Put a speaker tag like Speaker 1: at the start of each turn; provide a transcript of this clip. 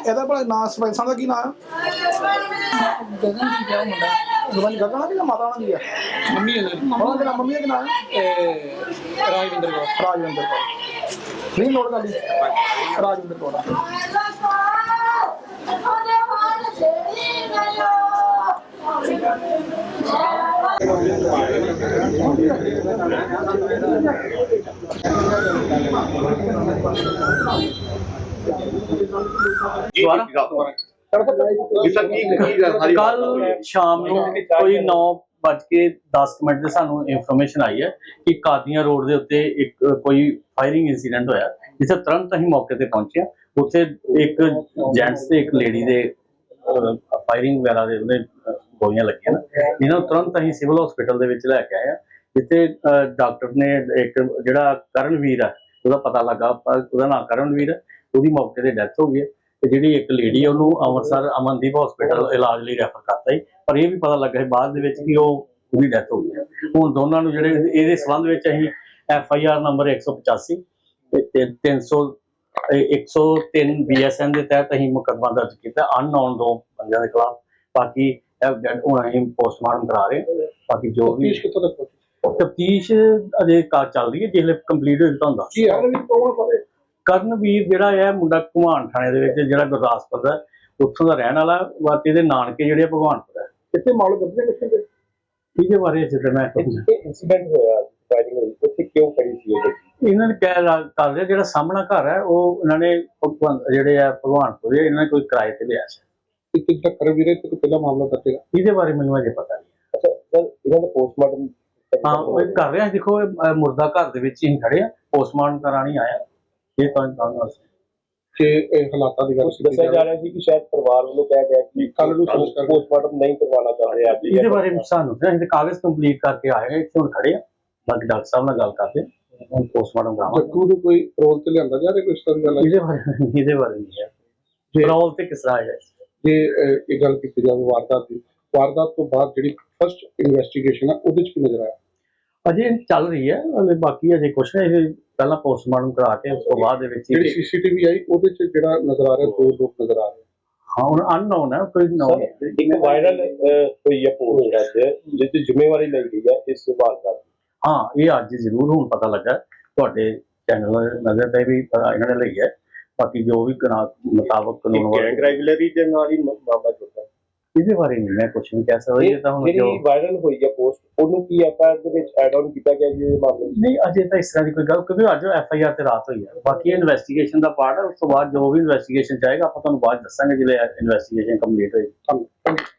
Speaker 1: ਇਹਦਾ ਭਲਾ ਨਾਂ ਸਰਪੰਚ ਸਾਹਿਬ ਦਾ ਕੀ ਨਾਂ ਆ?
Speaker 2: ਗਗਨ ਕੀ ਕਿਹਾ ਮੁੰਡਾ
Speaker 1: ਗਗਨ ਗਗਨ ਆ ਕਿ ਮਾਤਾ ਉਹਨਾਂ ਦੀ ਆ?
Speaker 2: ਮੰਮੀ
Speaker 1: ਉਹਨਾਂ ਦੇ ਨਾਲ ਮੰਮੀ ਦਾ ਕੀ ਨਾਂ ਆ?
Speaker 2: ਰਾਜਵਿੰਦਰ ਕੌਰ
Speaker 1: ਰਾਜਵਿੰਦਰ ਕੌਰ। ਨਹੀਂ ਨੋਟ ਕਰ ਲਈ, ਰਾਜਵਿੰਦਰ ਕੌਰ ਆ।
Speaker 3: ਕੱਲ ਸ਼ਾਮ ਨੂੰ ਕੋਈ 9:10 ਦੇ ਸਾਨੂੰ ਇਨਫੋਰਮੇਸ਼ਨ ਆਈ ਹੈ ਕਿ ਕਾਦੀਆਂ ਰੋਡ ਦੇ ਉੱਤੇ ਇੱਕ ਕੋਈ ਫਾਇਰਿੰਗ ਇਨਸੀਡੈਂਟ ਹੋਇਆ, ਜਿੱਥੇ ਤੁਰੰਤ ਅਸੀਂ ਮੌਕੇ ਤੇ ਪਹੁੰਚੇ। ਉੱਥੇ ਇੱਕ ਜੈਂਟਸ ਤੇ ਇੱਕ ਲੇਡੀ ਦੇ ਫਾਇਰਿੰਗ ਵਗੈਰਾ ਦੇ ਉਹਦੇ ਗੋਲੀਆਂ ਲੱਗੀਆਂ ਨਾ, ਇਹਨਾਂ ਨੂੰ ਤੁਰੰਤ ਅਸੀਂ ਸਿਵਲ ਹਸਪੀਟਲ ਦੇ ਵਿੱਚ ਲੈ ਕੇ ਆਏ ਆ, ਜਿੱਥੇ ਡਾਕਟਰ ਨੇ ਇੱਕ ਜਿਹੜਾ ਕਰਨਵੀਰ ਹੈ ਉਹਦਾ ਪਤਾ ਲੱਗਾ, ਉਹਦਾ ਨਾਮ ਕਰਨਵੀਰ ਹੈ, ਉਹਦੀ ਮੌਕੇ ਤੇ ਡੈਥ ਹੋ ਗਈ ਹੈ। ਤੇ ਜਿਹੜੀ ਇੱਕ ਲੇਡੀ ਉਹਨੂੰ ਅੰਮ੍ਰਿਤਸਰ ਅਮਨਦੀਪ ਹਸਪੀਟਲ ਇਲਾਜ ਲਈ ਰੈਫਰ ਕਰਤਾ ਸੀ, ਪਰ ਇਹ ਵੀ ਪਤਾ ਲੱਗਾ ਬਾਅਦ ਦੇ ਵਿੱਚ ਕਿ ਉਹਦੀ ਡੈਥ ਹੋ ਗਈ ਹੈ। ਹੁਣ ਦੋਨਾਂ ਨੂੰ ਜਿਹੜੇ ਇਹਦੇ ਸੰਬੰਧ ਵਿੱਚ ਅਸੀਂ FIR ਨੰਬਰ 185 ਤੇ 103 BSN ਦੇ ਤਹਿਤ ਅਸੀਂ ਮੁਕੱਦਮਾ ਦਰਜ ਕੀਤਾ ਅਨਨੋਨ 2 ਬੰਦਿਆਂ ਦੇ ਖਿਲਾਫ। ਬਾਕੀ ਹੁਣ ਅਸੀਂ ਪੋਸਟਮਾਰਟਮ ਕਰਾ ਰਹੇ ਹਾਂ। ਬਾਕੀ ਜੋ ਵੀ ਤਫਤੀਸ਼ ਅਜੇ ਚੱਲ ਰਹੀ ਹੈ, ਜਿਸਲੇ ਕੰਪਲੀਟ ਹੋ ਜਾਂਦਾ ਹੁੰਦਾ। ਕਰਨਵੀਰ ਜਿਹੜਾ ਹੈ ਮੁੰਡਾ ਭਗਵਾਨ ਥਾਣੇ ਦੇ ਵਿੱਚ ਜਿਹੜਾ ਗੁਰਦਾਸਪੁਰ ਦਾ ਉੱਥੋਂ ਦਾ ਰਹਿਣ ਵਾਲਾ, ਬਾਕੀ ਇਹਦੇ ਨਾਨਕੇ ਜਿਹੜੇ ਭਗਵਾਨਪੁਰ ਹੈ।
Speaker 1: ਕਿੱਥੇ ਮਾਲੂਮ ਕਰਦੇ ਕਿੱਥੇ
Speaker 3: ਇਹਦੇ ਬਾਰੇ ਜਿੱਦਾਂ ਮੈਂ
Speaker 4: ਇੰਸੀਡੈਂਟ ਹੋਇਆ ਫਾਇਰਿੰਗ ਹੋਈ ਉੱਥੇ ਕਿਉਂ ਕਰੀ ਸੀ
Speaker 3: ਇਹਨਾਂ ਨੇ ਕਹਿ ਕਰ ਰਿਹਾ ਜਿਹੜਾ ਸਾਹਮਣਾ ਘਰ ਹੈ ਉਹ ਇਹਨਾਂ ਨੇ ਜਿਹੜੇ ਆ ਭਗਵਾਨਪੁਰ ਇਹਨਾਂ ਨੇ ਕੋਈ ਕਿਰਾਏ ਤੇ ਲਿਆ ਸੀ।
Speaker 1: ਕਿੱਦਾਂ ਕਰਨਵੀਰ ਤੇ ਪਹਿਲਾ ਮਾਮਲਾ ਦੱਸੇਗਾ?
Speaker 3: ਇਹਦੇ ਬਾਰੇ ਮੈਨੂੰ ਅਜੇ ਪਤਾ ਨਹੀਂ।
Speaker 4: ਅੱਛਾ ਸਰ, ਇਹਨਾਂ ਦਾ ਪੋਸਟਮਾਰਟਮ
Speaker 3: ਹਾਂ ਉਹ ਕਰ ਰਿਹਾ। ਦੇਖੋ ਮੁਰਦਾ ਘਰ ਦੇ ਵਿੱਚ ਹੀ ਖੜੇ ਆ, ਪੋਸਟਮਾਰਟਮ ਕਰਾਣੀ ਆਇਆ। ਇਹ ਤਾਂ
Speaker 1: ਕਿ ਇਹ ਹਾਲਾਤਾਂ ਦੀ ਗੱਲ
Speaker 4: ਦੱਸਿਆ ਜਾ ਰਿਹਾ ਸੀ ਕਿ ਸ਼ਾਇਦ ਪਰਿਵਾਰ ਵੱਲੋਂ ਕਿਹਾ ਗਿਆ ਕਿ ਕੱਲ ਨੂੰ ਪੋਸਟਮਾਰਟਮ ਨਹੀਂ ਕਰਵਾਉਣਾ ਚਾਹ ਰਹੇ ਅੱਜ।
Speaker 3: ਇਹਦੇ ਬਾਰੇ ਸਾਨੂੰ ਅਸੀਂ ਕਾਗਜ਼ ਕੰਪਲੀਟ ਕਰਕੇ ਆਏ ਹਾਂ, ਇੱਥੇ ਹੁਣ ਖੜੇ ਆ। ਬਾਕੀ ਡਾਕਟਰ ਸਾਹਿਬ ਨਾਲ ਗੱਲ ਕਰਦੇ ਹੁਣ ਪੋਸਟਮਾਰਟਮ ਕਰਾਵਾਂਗੇ।
Speaker 1: ਜੱਗੂ ਨੂੰ ਕੋਈ ਰੋਲ ਤੇ ਲਿਆਂਦਾ ਜਾ ਰਿਹਾ ਕੋਈ ਇਸ ਤਰ੍ਹਾਂ ਦੀ ਗੱਲ?
Speaker 3: ਇਹਦੇ ਬਾਰੇ ਨਹੀਂ ਹੈ ਰੋਲ ਤੇ ਕਿਸ ਤਰ੍ਹਾਂ ਹੈ।
Speaker 1: ਜੇ ਇਹ ਗੱਲ ਕੀਤੀ ਜਾਵੇ ਵਾਰਦਾਤ ਤੋਂ ਬਾਅਦ ਜਿਹੜੀ ਫਸਟ ਇਨਵੈਸਟੀਗੇਸ਼ਨ ਆ ਉਹਦੇ ਚ ਕੀ ਨਜ਼ਰ ਆਇਆ?
Speaker 3: ਅਜੇ ਚੱਲ ਰਹੀ ਹੈ, ਬਾਕੀ ਅਜੇ ਕੁਛ ਨਹੀਂ। ਇਹ ਪਹਿਲਾਂ ਪੋਸਟਮਾਰਟਮ ਕਰਾ ਕੇ ਉਸ ਤੋਂ ਬਾਅਦ ਦੇ ਵਿੱਚ
Speaker 1: ਜਿਹੜੀ CCTV ਆਈ ਉਹਦੇ ਚ ਜਿਹੜਾ ਨਜ਼ਰ ਆ ਰਿਹਾ 2 ਲੋਕ ਨਜ਼ਰ ਆ ਰਹੇ।
Speaker 3: ਹਾਂ ਹੁਣ ਅਨਨੋਨ ਹੈ, ਕੋਈ ਨੋਨ।
Speaker 4: ਇੱਕ ਵਾਇਰਲ ਹੋਈ ਹੈ ਪੋਸਟ ਅੱਜ ਜਿਸ ਦੀ ਜ਼ਿੰਮੇਵਾਰੀ ਲਈ ਗਈ ਹੈ ਇਸ ਵਾਰਦਾਤ।
Speaker 3: ਹਾਂ ਇਹ ਅੱਜ ਜ਼ਰੂਰ ਹੁਣ ਪਤਾ ਲੱਗਾ ਤੁਹਾਡੇ ਚੈਨਲ ਨਜ਼ਰ ਤੇ ਵੀ ਇਹਨਾਂ ਨੇ ਲਈ ਹੈ। ਬਾਕੀ ਜੋ ਵੀ ਮੁਤਾਬਕ ਕਾਨੂੰਨ
Speaker 4: ਗੈਂਗ ਰੈਗੂਲਰੀ ਦੇ ਨਾਲ ਹੀ ਮਾਮਲਾ ਜੁੜਦਾ।
Speaker 3: ਇਹਦੇ ਬਾਰੇ ਨਹੀਂ ਮੈਂ ਕੁਝ ਨਹੀਂ ਕਹਿ ਸਕਦਾ। ਇਹ ਤਾਂ ਹੁਣ
Speaker 4: ਜਿਹੜੀ ਵਾਇਰਲ ਹੋਈ ਹੈ ਪੋਸਟ ਉਹਨੂੰ ਕੀ FIR ਦੇ ਵਿੱਚ ਐਡ ਆਨ ਕੀਤਾ ਗਿਆ ਜੀ ਇਹ ਮਾਮਲੇ
Speaker 3: ਨਹੀਂ ਅਜੇ ਤਾਂ ਇਸ ਤਰ੍ਹਾਂ ਦੀ ਕੋਈ ਗੱਲ, ਕਿਉਂਕਿ ਅੱਜ FIR ਤੇ ਰਾਤ ਹੋਈ ਹੈ। ਬਾਕੀ ਇਨਵੈਸਟੀਗੇਸ਼ਨ ਦਾ ਪਾਰਟ ਹੈ, ਉਸ ਤੋਂ ਬਾਅਦ ਜੋ ਵੀ ਇਨਵੈਸਟੀਗੇਸ਼ਨ ਚਾਹੇਗਾ ਆਪਾਂ ਤੁਹਾਨੂੰ ਬਾਅਦ ਦੱਸਾਂਗੇ ਜਦੋਂ ਇਨਵੈਸਟੀਗੇਸ਼ਨ ਕੰਪਲੀਟ ਹੋਏਗੀ।